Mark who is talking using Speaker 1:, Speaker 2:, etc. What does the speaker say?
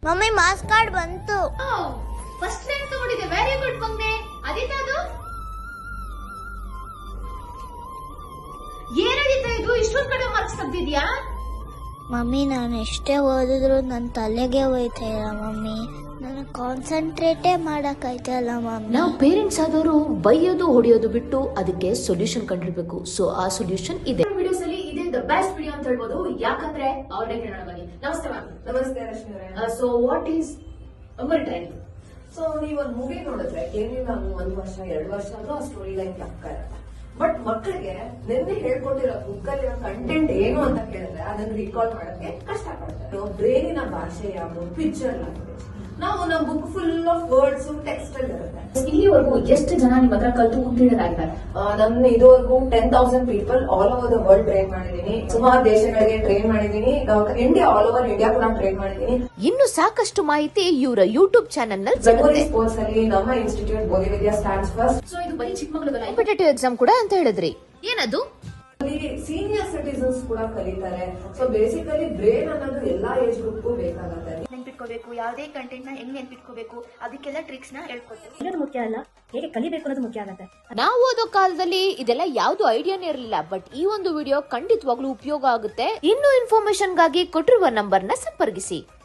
Speaker 1: Mummy marks card ಬಂತು.
Speaker 2: First rank ತಗೊಂಡಿದೆ, very good ಮಗ್ನೆ. ಅದಿತಾ ಅದು ಏನಾದಿತ್ತ ಇದು ಇಷ್ಟೊಂದು ಕಡೆ ಮಾರ್ಕ್ಸ್ ತೆಗ್ದಿದ್ಯಾ?
Speaker 1: ಮಮ್ಮಿ ನಾನು ಎಷ್ಟೇ ಓದಿದ್ರು ನನ್ನ ತಲೆಗೆ ಹೋಯ್ತಾ ಇಲ್ಲ ಮಮ್ಮಿ. ನಾನು ಕಾನ್ಸಂಟ್ರೇಟೇ ಮಾಡಕ್ಕಾಯ್ತಲ್ಲ ಮಮ್ಮಿ.
Speaker 2: ನಾವು ಪೇರೆಂಟ್ಸ್ ಆದವರು ಬೈಯೋದು ಹೊಡೆಯೋದು ಬಿಟ್ಟು ಅದಕ್ಕೆ ಸೊಲ್ಯೂಷನ್ ಕಂಡಿರ್ಬೇಕು. ಸೊ ಆ ಸೊಲ್ಯೂಷನ್ ಇದೆ. ವಿಡಿಯೋಸ್ ಅಲ್ಲಿ ಇದೇ ದ ಬೆಸ್ಟ್ ವಿಡಿಯೋ ಅಂತ ಹೇಳ್ಬೋದು. ಯಾಕಂದ್ರೆ ಅವ್ರನ್ನೇ ಕೇಳೋಣ ಬನ್ನಿ. ನಮಸ್ತೆ ಮ್ಯಾಮ್.
Speaker 3: ನಮಸ್ತೆ ರಶ್ಮಿ ಅವರೇ.
Speaker 2: So what is Amar trend?
Speaker 3: So ನೀವು ಒಂದು ಮೂವಿ ನೋಡಿದ್ರೆ ಏನಿಲ್ಲ 1 ವರ್ಷ 2 ವರ್ಷ ಆದ್ರೂ ಆ ಸ್ಟೋರಿ ಲೈನ್ ತಕ್ಕ ಇರಲ್ಲ. ಬಟ್ ಮಕ್ಕಳಿಗೆ ನಿನ್ನೆ ಹೇಳ್ಕೊಟ್ಟಿರೋ ಬುಕ್ ಅಲ್ಲಿ ಕಂಟೆಂಟ್ ಏನು ಅಂತ ಕೇಳಿದ್ರೆ ಅದನ್ನ ರೀಕಾಲ್ ಮಾಡೋಕೆ ಕಷ್ಟ ಪಡ್ತಾರೆ. ಬ್ರೈನಿನ ಭಾಷೆ ಯಾವುದು, ಪಿಕ್ಚರ್ ಲ್ಯಾಂಗ್ವೇಜ್. ನಾವು ನಮ್ಮ book full of words text ಅಲ್ಲಿ ಇರುತ್ತೆ.
Speaker 2: ಇಲ್ಲಿವರೆಗೂ ಎಷ್ಟು ಜನ ನಿಮ್ಮ ಹತ್ರ ಕಲ್ತು ಉತ್ತೀರ್ಣರಾಗಿದ್ದಾರೆ?
Speaker 3: ನನ್ನ ಇದುವರೆಗೂ 10,000 people all over the world train ಮಾಡಿದೀನಿ. ಸುಮಾರು ದೇಶಗಳಿಗೆ ಟ್ರೈನ್ ಮಾಡಿದೀನಿ. ಇಂಡಿಯಾ ಆಲ್ ಓವರ್ ಇಂಡಿಯಾ ಕೂಡ ಟ್ರೈನ್ ಮಾಡಿದೀನಿ.
Speaker 2: ಇನ್ನು ಸಾಕಷ್ಟು ಮಾಹಿತಿ ಇವರ ಯೂಟ್ಯೂಬ್ ಚಾನೆಲ್ ನಲ್ಲಿ
Speaker 3: ಮೆಮೊರಿ ಸ್ಪೋರ್ಟ್ಸ್ ಅಲ್ಲಿ ನಮ್ಮ institute Bodhividya stands first.
Speaker 2: So ಇದು ಬರೀ ಚಿಕ್ಕಮಗಳೂರು ಕಾಂಪಿಟೇಟಿವ್ ಎಕ್ಸಾಮ್ ಕೂಡ ಅಂತ ಹೇಳಿದ್ರಿ. ಏನದು?
Speaker 3: ಸೀನಿಯರ್ ಸಿಟಿಸನ್ಸ್ ಕೂಡ ಕಲಿತಾರೆ. ಸೊ ಬೇಸಿಕಲಿ ಬ್ರೇನ್ ಅನ್ನೋದು ಎಲ್ಲಾ ಏಜ್ ಗ್ರೂಪ್ಗೂ ಬೇಕಾಗುತ್ತೆ.
Speaker 4: ನೆನ್ಪಿಟ್ಕೋಬೇಕು, ಯಾವುದೇ ಕಂಟೆಂಟ್ ನ ಹೆಂಗ್ ನೆನ್ಪಿಟ್ಕೋಬೇಕು, ಅದಕ್ಕೆಲ್ಲ ಟ್ರಿಕ್ಸ್ ನ ಹೇಳ್ಕೊಡ್ತೀವಿ.
Speaker 5: ಇರೋದು ಮುಖ್ಯ ಅಲ್ಲ, ಹೇಗೆ ಕಲಿಬೇಕು ಅನ್ನೋದು ಮುಖ್ಯ ಆಗುತ್ತೆ.
Speaker 2: ನಾವು ಓದೋ ಕಾಲದಲ್ಲಿ ಇದೆಲ್ಲ ಯಾವ್ದು ಐಡಿಯಾನೇ ಇರಲಿಲ್ಲ. ಬಟ್ ಈ ಒಂದು ವಿಡಿಯೋ ಖಂಡಿತವಾಗ್ಲೂ ಉಪಯೋಗ ಆಗುತ್ತೆ. ಇನ್ನು ಇನ್ಫಾರ್ಮೇಶನ್ ಗಾಗಿ ಕೊಟ್ಟಿರುವ ನಂಬರ್ ನ ಸಂಪರ್ಕಿಸಿ.